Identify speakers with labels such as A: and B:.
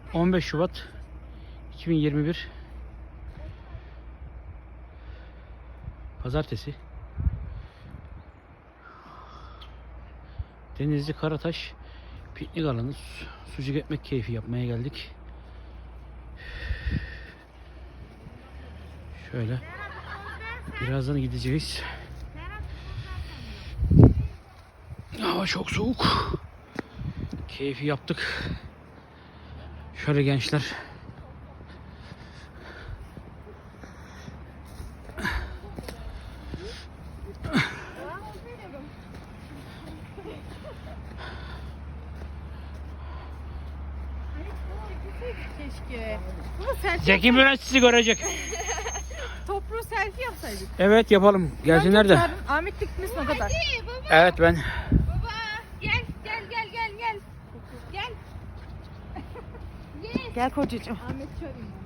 A: 15 Şubat 2021 Pazartesi. Denizli Karataş piknik alanı, sucuk ekmek keyfi yapmaya geldik. Şöyle birazdan gideceğiz. Hava çok soğuk. Keyfi yaptık. Şöyle gençler.
B: Keşke. Bunu selfie
A: Zeki Müren sizi görecek.
B: Toplu selfie yapsaydık.
A: Evet yapalım. Gelsinler de.
B: Yarın Ahmet gitmesin o kadar.
A: Evet ben.
C: Baba gel. Gel.
B: Gel kocacığım.
C: Ahmet çağırayım.